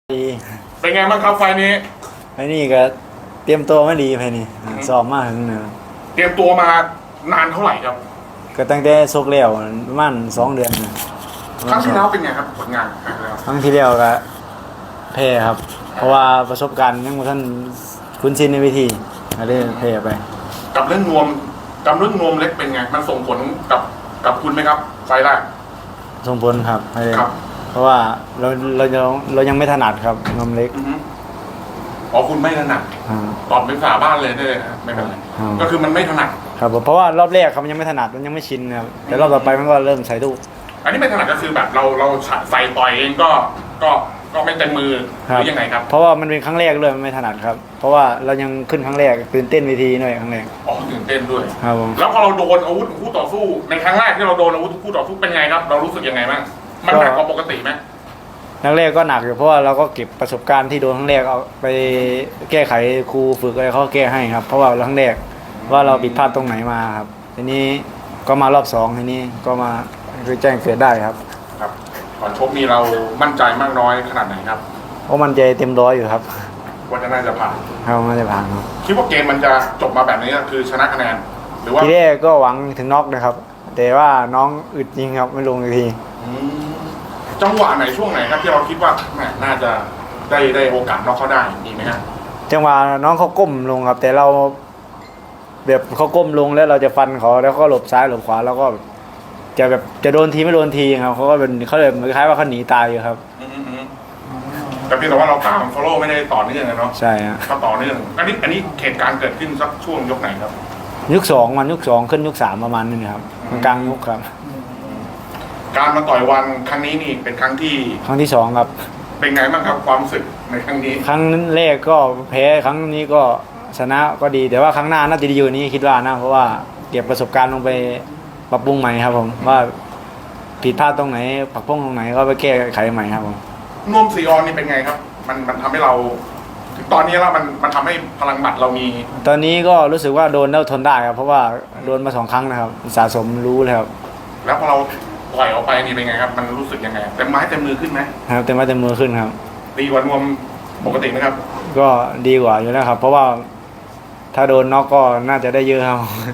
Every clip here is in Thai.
ดีเป็นไงบ้างครับไฟนี้ไอ้นี่ก็เตรียมตัวไม่ดีไฟนี่ซ้อมมาถึงเนี่ยเตรียมตัวมานานเท่าไหร่ครับก็ตั้งแต่ซกแล้วประมาณ2 เดือนนะครั้งที่แล้วเป็นไงครับผลงานครั้งที่แล้วก็แพ้ครับ เพราะว่าประสบการณ์ยังบ่ทันคุ้นชินในวิธีก็เลยแพ้ไปกับเรื่องนวมเล็กเป็นไงมันส่งผลกับคุณไหมครับไฟแรกส่งผลครับเพราะว่าเรายังไม่ถนัดครับนมเล็กอ๋อคุณไม่ถนัดตอบเป็นภาษาบ้านเลยได้เลยไม่เป็นไรก็คือมันไม่ถนัดครับเพราะว่ารอบแรกครับมันยังไม่ถนัดมันยังไม่ชินครับแต่รอบต่อไปมันก็เริ่มใส่ลูกอันนี้ไม่ถนัดก็คือแบบเราใส่ต่อยเองก็ไม่เต็มมือหรือยังไงครับเพราะว่ามันเป็นครั้งแรกเลยมันไม่ถนัดครับเพราะว่าเรายังขึ้นครั้งแรกตื่นเต้นเวทีหน่อยครั้งแรกอ๋อตื่นเต้นด้วยครับผมแล้วพอเราโดนอาวุธคู่ต่อสู้ในครั้งแรกที่เราโดนอาวุธคู่ต่อสู้เป็นไงครับเรารู้สึกยังไงบ้างมันหนักกว่าปกติไหมครั้งแรกก็หนักอยู่เพราะว่าเราก็เก็บประสบการณ์ที่โดนครั้งแรกเอาไปแก้ไขครูฝึกอะไรเขาแก้ให้ครับเพราะว่าครั้งแรกว่าเราผิดพลาดตรงไหนมาครับทีนี้ก็มารอบ2ทีนี้ก็มาคือแจ้งเกิดได้ครับครับก่อนชกนี้เรามั่นใจมากน้อยขนาดไหนครับเพราะมันใจเต็มร้อยอยู่ครับว่าจะน่าจะผ่านครับน่าจะผ่านครับคิดว่าเกมมันจะจบมาแบบนี้คือชนะคะแนนหรือว่าทีแรกก็หวังถึงน็อกนะครับแต่ว่าน้องอึดจริงครับไม่ลงทีจังหวะไหนช่วงไหนครับที่เราคิดว่าแหมน่าจะได้โอกาสน็อกเขาได้ดีไหมครับจังหวะน้องเขาก้มลงครับแต่เราแบบเขาก้มลงแล้วเราจะฟันเขาแล้วก็หลบซ้ายหลบขวาแล้วก็จะแบบจะโดนทีไม่โดนทีครับเขาก็เป็นเขาเลยคล้ายว่าเขาหนีตายอยู่ครับแต่เพียงแต่ว่าเราตาม follow ไม่ได้ต่อเนื่องเนาะใช่ฮะก็ต่อเนื่องอันนี้เหตุการณ์เกิดขึ้นสักช่วงยกไหนครับยุค2มันยุค2ขึ้นยุค3ประมาณนึงครับกลางยุคครับการมาต่อยวันครั้งนี้นี่เป็นครั้งที่ 2ครับเป็นไงบ้างครับความรู้สึกในครั้งนี้ครั้งแรกก็แพ้ครั้งนี้ก็ชนะก็ดีแต่ว่าครั้งหน้าน่าจะดีอยู่นี้คิดว่านะเพราะว่าเก็บประสบการณ์ลงไปปรับปรุงใหม่ครับผมว่าผิดพลาดตรงไหนปรับปรุงตรงไหนก็ไปแก้ไขใหม่ครับผมนวมสีออนนี่เป็นไงครับมันทำให้เราถึงตอนนี้แล้วมันทำให้พลังหมัดเรามีตอนนี้ก็รู้สึกว่าโดนแล้วทนได้ครับเพราะว่าโดนมา2 ครั้งนะครับสะสมรู้เลยครับแล้วพอเราปล่อยออกไปนี่เป็นไงครับมันรู้สึกยังไงเต็มไม้เต็มมือขึ้นไหมครับเต็มไม้เต็มมือขึ้นครับดีกว่านวมปกติไหมครับก็ดีกว่าอยู่แล้วครับเพราะว่าถ้าโดนน็อกก็น่าจะได้เยอะครับ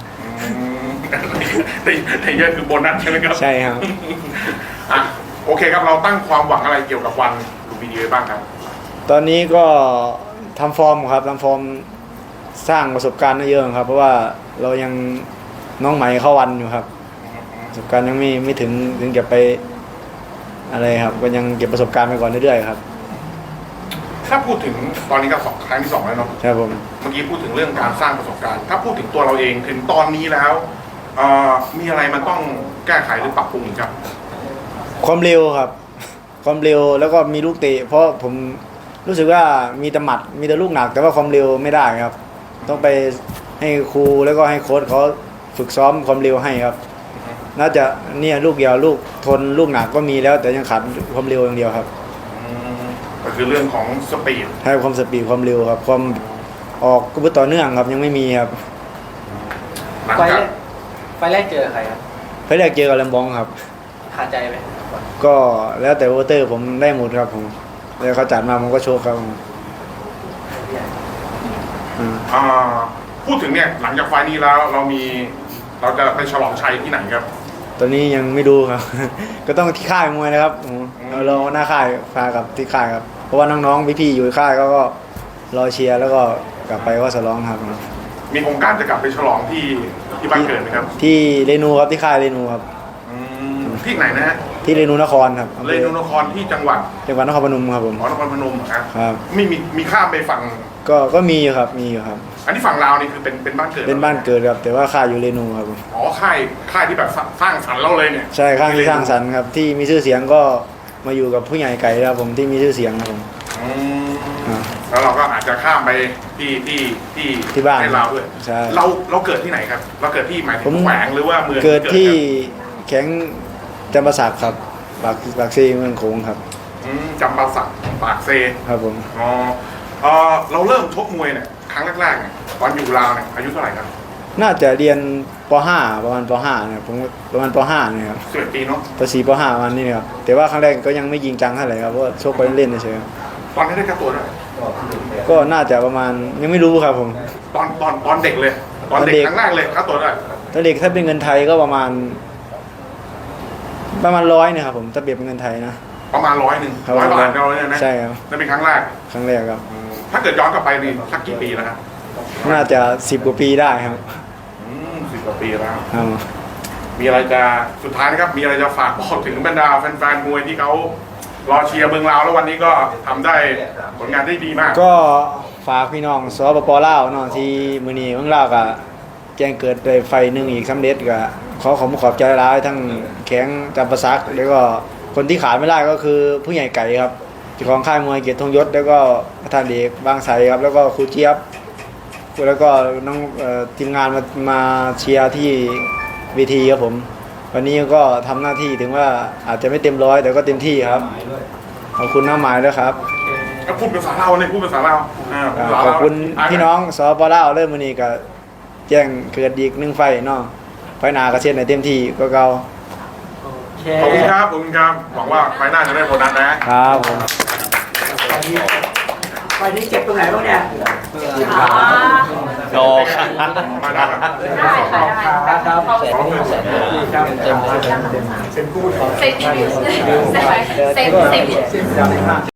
ได้เยอะคือโบนัสใช่ไหมครับใช่ครับโอเคครับเราตั้งความหวังอะไรเกี่ยวกับวันลุมพินีไว้บ้างครับตอนนี้ก็ทำฟอร์มครับทำฟอร์มสร้างประสบการณ์เยอะครับเพราะว่าเรายังน้องใหม่เข้าวันอยู่ครับประสบการณ์ยังไม่ถึงเก็บไปอะไรครับก็ยังเก็บประสบการณ์ไปก่อนเรื่อยๆครับถ้าพูดถึงตอนนี้ก็ครั้งที่2แล้วเนาะครับผมเมื่อกี้พูดถึงเรื่องการสร้างประสบการณ์ถ้าพูดถึงตัวเราเองถึงตอนนี้แล้วมีอะไรมันต้องแก้ไขหรือปรับปรุงอีกครับความเร็วครับความเร็วแล้วก็มีลูกเตะเพราะผมรู้สึกว่ามีแต่หมัดมีแต่ลูกหนักแต่ว่าความเร็วไม่ได้ครับต้องไปให้ครูแล้วก็ให้โค้ชเขาฝึกซ้อมความเร็วให้ครับน่าจะเนี่ยลูกเดียวลูกทนลูกหนักก็มีแล้วแต่ยังขาดความเร็วอย่างเดียวครับก็คือเรื่องของสปีดให้ความสปีดความเร็วครับความออกกุบต่อเนื่องครับยังไม่มีครับไฟแรกเจอใครครับไฟแรกเจอกับแลมบองครับขาดใจไหมก็แล้วแต่โวเตอร์ผมได้หมดครับผมแล้วเขาจัดมาผมก็โชว์ครับพูดถึงเนี่ยหลังจากไฟนี้แล้วเราจะไปฉลองชัยที่ไหนครับตอนนี้ยังไม่ดูครับก็ต้องที่ค่ายมวยนะครับเราหน้าค่ายพากับที่ค่ายครับเพราะว่าน้องๆพี่ๆอยู่ค่ายก็รอเชียร์แล้วก็กลับไปก็ฉลองครับมีโครงการจะกลับไปฉลองที่บ้านเกิดไหมครับที่เรนูครับที่ค่ายเรนูครับที่ไหนนะฮะที่เรนูนครครับเรนูนครที่จังหวัดนครพนมครับผมนครพนมครับไม่มีข้ามไปฝั่งก็มีอยู่ครับมีอยู่ครับอันนี้ฝั่งลาวนี่คือเป็นบ้านเกิดเป็นบ้านเกิดครับแต่ว่าค่ายอยู่เรนูครับอ๋อค่ายที่แบบสร้างสรรค์เราเลยเนี่ยใช่ค่ายที่สร้างสรรค์ครับที่มีชื่อเสียงก็มาอยู่กับผู้ใหญ่ไก่ครับผมที่มีชื่อเสียงครับผมแล้วเราก็อาจจะข้ามไปที่บ้านในลาวด้วยใช่เราเกิดที่ไหนครับเราเกิดที่หมายถึงแขวงหรือว่าเมืองเกิดที่แข็งจำปาสักครับปากเซเมืองโขงครับจำปาสักปากเซครับผมเราเริ่มชกมวยเนี่ยครั้งแรกๆเนี่ยตอนอยู่ลาวเนี่ยอายุเท่าไหร่ครับน่าจะเรียนป .5 ประมาณป .5 เนี่ยผมประมาณป .5 เนี่ยครับ 11 ปีเนาะป .4 ป .5 ประมาณนี้ครับแต่ว่าครั้งแรกก็ยังไม่ยิงจังเท่าไหร่ครับเพราะชกไปเล่นเฉยตอนนี้ได้ค่าตัวเท่าไหร่ก็น่าจะประมาณยังไม่รู้ครับผมตอนเด็กเลย ตอนเด็กตอนเด็กครั้งแรกเลยค่าตัวเท่าไหร่ถ้าเด็กถ้าเป็นเงินไทยก็ประมาณ100นะครับผมถ้าเปรียบเป็นเงินไทยนะประมาณ100 ครับ 100 บาทเราเนี่ยนะใช่ครับนั่นเป็นครั้งแรกครั้งแรกครับถ้าเกิดย้อนกลับไปนี่สักกี่ปีแล้วครับน่าจะ10 กว่าปีได้ครับ 10 กว่าปีแล้วครับมีอะไรจะสุดท้ายนะครับ มีอะไรจะฝากบอกถึงบรรดาแฟนๆมวยที่เขารอเชียร์เมืองลาวแล้ววันนี้ก็ทำได้ผลงานได้ดีมากก็ฝากพี่น้องสปปลาวเนาะที่มื้อนี้เมืองลาวก็แจ้งเกิดได้ไฟหนึงอีกสำเร็จก็ขอบใจหลายทั้งแข็งจำปาสักแล้วก็คนที่ขาดไม่ได้ก็คือผู้ใหญ่ไก่ครับเจ้าของค่ายมวยเกียรติธงยศแล้วก็ประธานเอกบางไทรครับแล้วก็ครูเจี๊ยบแล้วก็น้องทีมงานมาเชียร์ที่เวทีครับผมวันนี้ก็ทำหน้าที่ถึงว่าอาจจะไม่เต็มร้อยแต่ก็เต็มที่ครับขอบคุณน้าหมายด้วยครับพูดภาษาลาวเลยพูดภาษาลาวพูดภาษาขลาอบวคุณพี่น้องสปลาวเริ่มมื้อนี้ก็แจ้งเกิดอีก1ไฟเนาะไฟหน้าก็เช่นในเต็มที่ก็เก่าโอเคขอบคุณครับขอบคุณครับหวังว่าไฟหน้าจะได้โบนัสนะครับผมไฟนี้เจ็บตรงไหนบ้างเนี่ยโดครับมาได้ครับครับเซ็นคู่เลย Same.